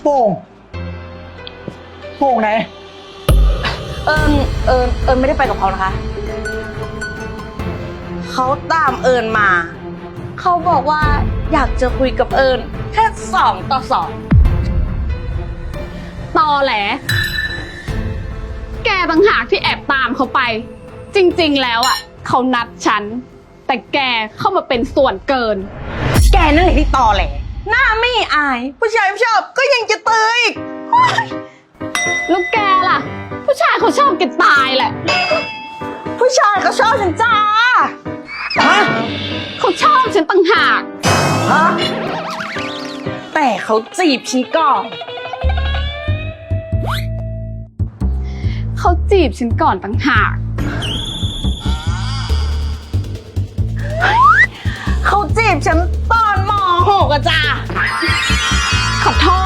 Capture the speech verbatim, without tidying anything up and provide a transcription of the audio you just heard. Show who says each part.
Speaker 1: โป่งโป่งไหน
Speaker 2: เอิญเอิญเอิญไม่ได้ไปกับเขานะคะเขาตามเอิญมาเขาบอกว่าอยากจะคุยกับเอิญแค่สองต่อสอง
Speaker 3: ตอแหลแกบังหากที่แอบตามเขาไปจริงๆแล้วอ่ะเขานัดฉันแต่แกเข้ามาเป็นส่วนเกิน
Speaker 2: แกนั่นแหละที่ตอแหลหน้าไม่อายผู้ชายไม่ชอบก็ยังจะเตยอีก
Speaker 3: แล้วแกล่ะผู้ชายเขาชอบแกตายแหละ
Speaker 2: ผู้ชายเขาชอบฉันจ้า
Speaker 1: ฮะ
Speaker 3: เขาชอบฉันต่างหาก
Speaker 2: ฮะแต่เขาจีบฉันก่อน
Speaker 3: เขาจีบฉันก่อนต่างหาก
Speaker 2: เขาจีบฉันตอนม.หกอะจ้า